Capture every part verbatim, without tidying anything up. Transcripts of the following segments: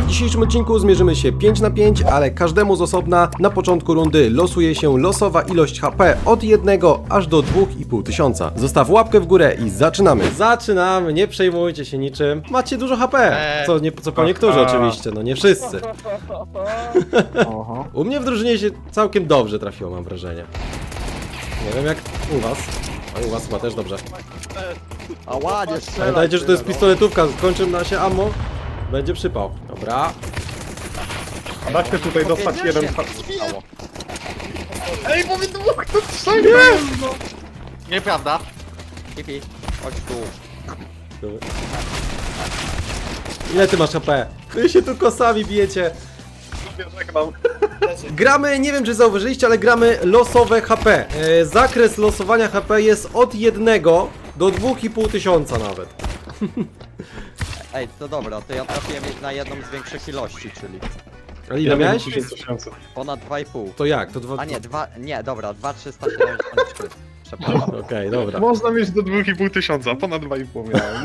A w dzisiejszym odcinku zmierzymy się pięć na pięć, ale każdemu z osobna. Na początku rundy losuje się losowa ilość H P od jednego aż do dwóch i pół tysiąca. Zostaw łapkę w górę i zaczynamy. Zaczynamy, nie przejmujcie się niczym. Macie dużo H P, co, nie, co po niektórzy oczywiście, no nie wszyscy. U mnie w drużynie się całkiem dobrze trafiło, mam wrażenie. Nie wiem jak u was. A u was chyba też dobrze. A ładnie strzela. Pamiętajcie, że to jest pistoletówka, kończy na się ammo. Będzie przypał. Dobra. A da się tutaj dostać jeden... Ej, bo wy dwóch tu strzeli! Nieprawda. Kipi, chodź tu. Ile ty masz H P? Wy się tu kosami bijecie. Gramy, nie wiem czy zauważyliście, ale gramy losowe H P. E, zakres losowania H P jest od jednego do dwóch i pół tysiąca nawet. Ej, to dobra, to ja trafiłem na jedną z większych ilości, czyli A ile miałeś? ponad dwa i pół. To jak? To dwa... A nie, dwa, nie, dobra, dwa trzysta siedemdziesiąt trzy. Przepraszam. Okej, dobra. Można mieć do dwóch i pół tysiąca, ponad dwa i pół miałem.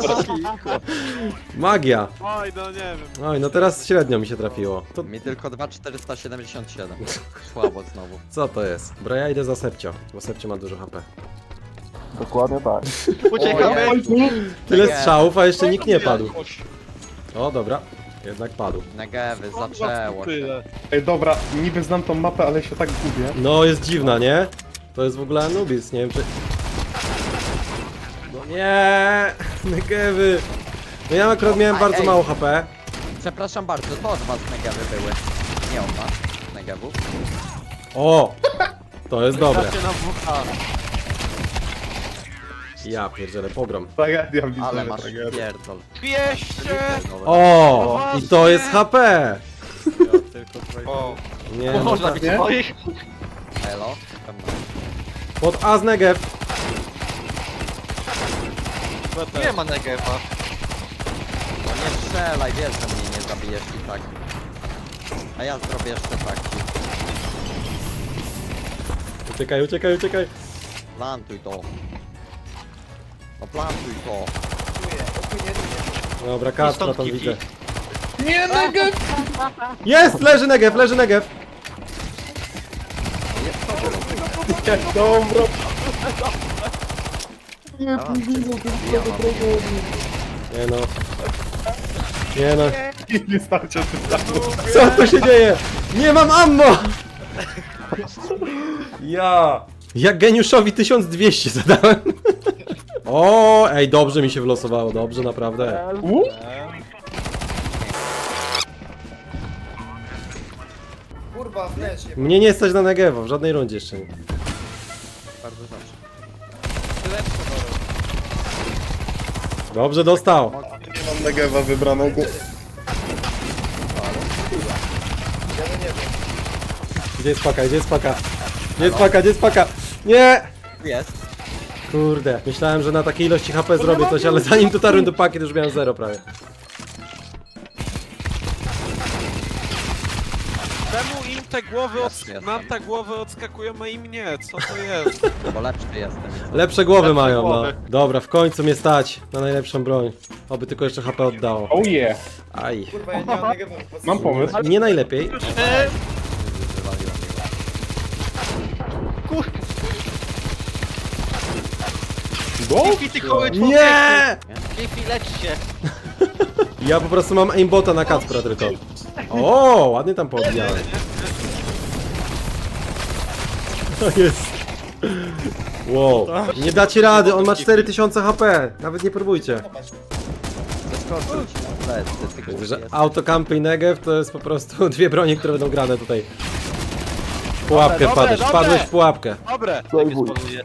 Magia. Oj, no nie wiem. Oj, no teraz średnio mi się trafiło. To Mi tylko dwa czterysta siedemdziesiąt siedem. Słabo znowu. co to jest? Bro, ja idę za Sepcio, bo Sepcio ma dużo H P. Dokładnie tak. Uciekamy! Tyle Nie. strzałów, a jeszcze nikt nie padł. O, dobra. Jednak padł. Negewy, zaczęło się. Tyle. Ej, dobra, niby znam tą mapę, ale się tak gubię. No, jest dziwna, nie? To jest w ogóle Anubis, nie wiem czy... No nie, Negewy. No ja akurat miałem Ej, bardzo ej. mało H P. Przepraszam bardzo, to od was negewy były. Nie od was, negewów. O! To jest dobre. Trafię na W H. Ja pierdzielę, pogrom. Tragedia, widzę, Ale masz tragedia. pierdol. dwieście! O! I to jest H P! O, Nie, no, można tak. być nie? swoich? Elo? Pod A z Negev. Nie ma negewa. No nie strzelaj, wiesz, że mnie nie zabijesz i tak. A ja zrobię jeszcze tak. Uciekaj, uciekaj, uciekaj. Plantuj to. No plantuj to. Dobra, Kacpra stąd tam kipi. widzę. Nie, Negev! Jest! Leży Negev, leży Negev. Jest to było. Dobra. Ja mam ja mam. Nie no. Nie no. Nie starcie tytanu. Co tu się dzieje? Nie mam ammo! Ja. Jak geniuszowi tysiąc dwieście zadałem. O, ej, dobrze mi się wylosowało, dobrze, naprawdę. U? Kurwa, w lesie. Mnie nie stać na Negewa, w żadnej rundzie jeszcze nie. Bardzo dobrze. Dobrze dostał. Nie mam Negeva wybranego. Gdzie jest paka, gdzie jest paka? Gdzie jest paka, gdzie jest paka? Nie! Jest. Kurde, myślałem, że na takiej ilości H P zrobię coś, ale zanim dotarłem do paki, to już miałem zero prawie. Czemu im te głowy, od... Jasne, jasne. nam te głowy odskakują, a im nie? Co to jest? Bo lepszy jestem. i co? Lepsze głowy Lepsze mają, głowy. no. Dobra, w końcu mnie stać na najlepszą broń. Oby tylko jeszcze H P oddało. Oh yeah. Aj. Kurwa, ja nie mam tego Mam pomysł. Nie najlepiej. E, Wywaliłem go. Go? Kifi, ty koły Nie! Kifi, lecz się! Ja po prostu mam aimbota na Kacpra tylko. O, ładnie tam poodbijałem. To jest. Wow. Nie dacie rady, on ma cztery tysiące H P. Nawet nie próbujcie. Zeskoczył ci na plecy, ty Widzę, głupi że jesteś. autocampy i Negev to jest po prostu dwie bronie, które będą grane tutaj. W pułapkę Dobre, wpadłeś, dobre, wpadłeś dobre. w pułapkę. Dobre! Tak jest poluje.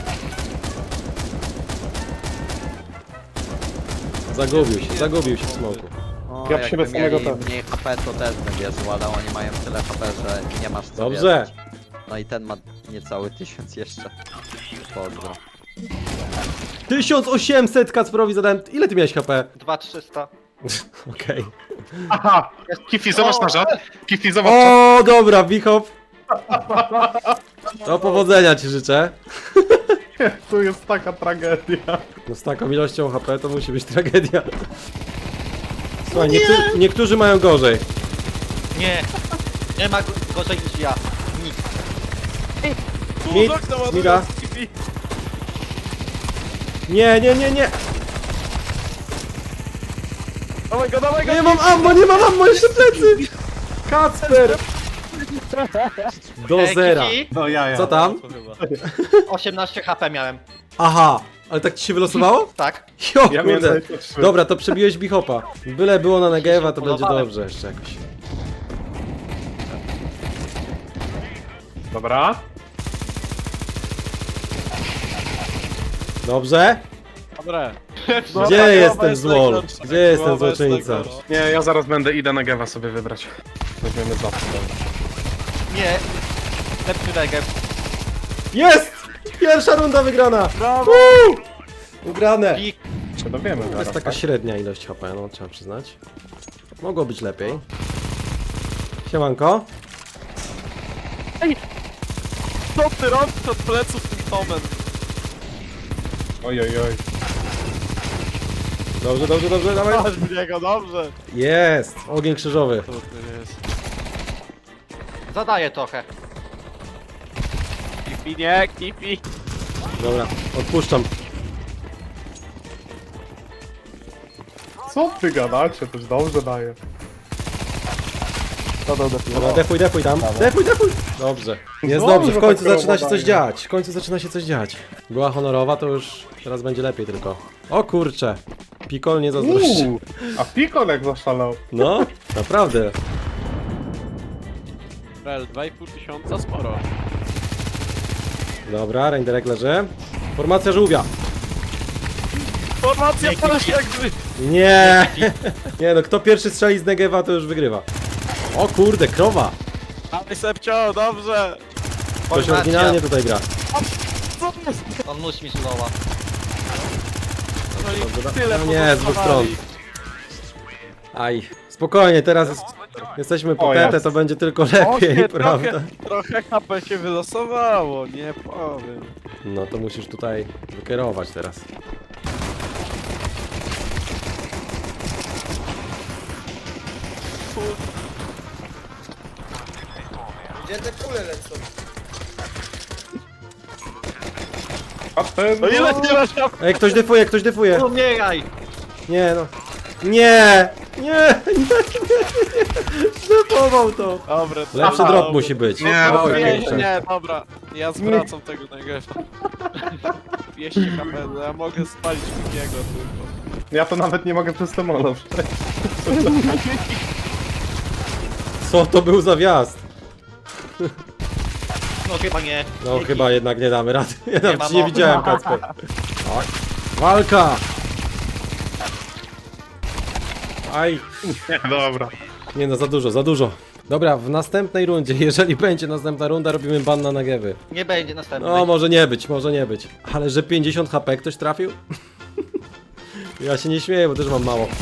Zagubił się, zagubił się w smoku. O, Ja w siebie jakby samego mieli też. mniej H P to też bym wierzył, ale oni mają tyle H P, że nie masz co Dobrze. wierzyć. No i ten ma niecały tysiąc jeszcze. Pozdro. tysiąc osiemset Kacprowi zadałem. Ile ty miałeś H P? dwa trzysta. Okej. Aha! Kifi, zobacz na żart. Kifi, zobacz. O, dobra, Wichop. To powodzenia ci życzę. Tu jest taka tragedia. No z taką ilością H P to musi być tragedia. Słuchaj, niektórzy, niektórzy mają gorzej. Nie. Nie ma go- gorzej niż ja. Nikt. Mid, mida. Nie, nie, nie, nie. Dawaj go, dawaj go! Nie mam ammo, nie mam ammo, jeszcze plecy. Kacper. Do Ej, zera. Kiki, No ja, ja. Co tam? osiemnaście H P miałem. Aha, ale tak ci się wylosowało? Tak. Jo, Ja miałem kurde. dwadzieścia trzy. Dobra, to przebiłeś bichopa. Byle było na Negewa, to będzie Polowałem. dobrze jeszcze jakoś. Dobra. Dobrze? Dobre. Gdzie jest ten złol? Gdzie jest ten złoczyńca? Nie, ja zaraz będę idę na Gewa sobie wybrać. Weźmiemy za. Nie. Lepszy negew. Jest! Pierwsza runda wygrana! Woo! Ugrane! Pik. Czy dowiemy To zaraz, jest taka tak? średnia ilość H P, no trzeba przyznać. Mogło być lepiej. Siemanko. Co ty robisz od pleców tym Tomem? Oj, oj, oj. Dobrze, dobrze, dobrze, dawaj. Masz w niego, dobrze. Jest! Ogień krzyżowy. Zadaję trochę. Kipi, nie, kipi. Dobra, odpuszczam. Co ty gadacie? To już dobrze daje. Dobra, defuj, defuj tam. Defuj, defuj! Dobrze. Jest Dobrze, dobrze, w końcu tak zaczyna się robo coś daje. dziać. W końcu zaczyna się coś dziać. Była honorowa, to już teraz będzie lepiej tylko. O kurcze. Pikol nie zazdrości. Uuu, a Pikol jak zaszalał. No, naprawdę. Rel, dwa i pół tysiąca, sporo. Dobra, renderek leży. Formacja żółwia. Formacja jak gry. Nie! Nie no, kto pierwszy strzeli z Negewa, to już wygrywa. O kurde, krowa! Dawaj Sepcio, dobrze. Ktoś oryginalnie tutaj gra. Co to jest? On musi mieć loła. No i Dobra. tyle No nie, z dwóch stron. Aj, spokojnie, teraz jest, jesteśmy po O, tetę, jasne. to będzie tylko lepiej, prawda? trochę, trochę H P się wylosowało, nie powiem. No to musisz tutaj wykierować teraz. Gdzie te kule lecą? A ten... No ile nie masz H P? Ej, ktoś defuje, ktoś defuje! Umieraj! Nie no. Nie! Nie! Nie! Nie! Zdefował to! Dobra, to Lepszy dobra, drop dobra. musi być. Nie, O, dobra, Nie, kurczę. nie, dobra. Ja zwracam tego Negewa. dwieście H P, no ja mogę spalić Kikiego tylko. Ja to nawet nie mogę przez to molo przejść. Co to był za wjazd? No chyba nie. No chyba jednak nie damy rady. Ja nawet ma ci nie mowy. widziałem, Kacper. Oj. Walka! Aj! Nie, dobra. Nie no, za dużo, za dużo. Dobra, w następnej rundzie, jeżeli będzie następna runda, robimy ban na Negewy. Nie będzie następny. No, może nie być, może nie być. Ale że pięćdziesiąt H P ktoś trafił? Ja się nie śmieję, bo też mam mało.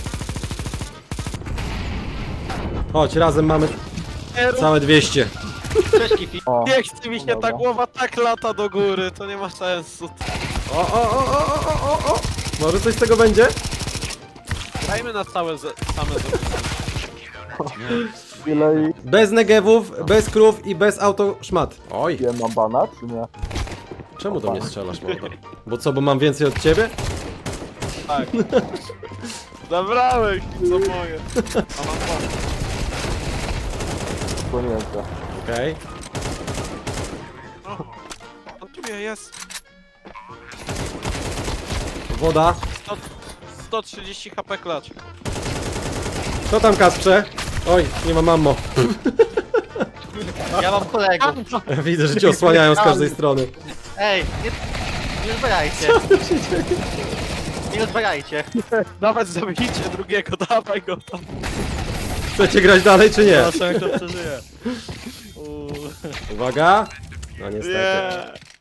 Chodź, razem mamy całe dwieście. Cześć Kifi. Nie chce mi się, ta głowa tak lata do góry, to nie ma sensu. O, o, o, o, o, o, o! Może coś z tego będzie? Dajmy na całe z, same Bez negewów, bez krów i bez auto szmat. Oj, Ja mam bana, czy nie? czemu do mnie strzelasz, mordo? Bo co, bo mam więcej od ciebie? Tak. Zabrałeś mi co moje. A mam pomysł. Płynięte. Okej. On tu mnie jest. Woda. sto trzydzieści H P klacz. Co tam, Kasprze? Oj, nie mam ammo. Ja mam kolegów. Widzę, że cię osłaniają z każdej strony. Ej, nie, nie rozbierajcie. Nie rozbierajcie. Dawać zabijcie drugiego, dawaj go tam. Chcecie grać dalej, czy nie? Zobaczę jak to przeżyje. Uuu. Uwaga. No niestety. Nie.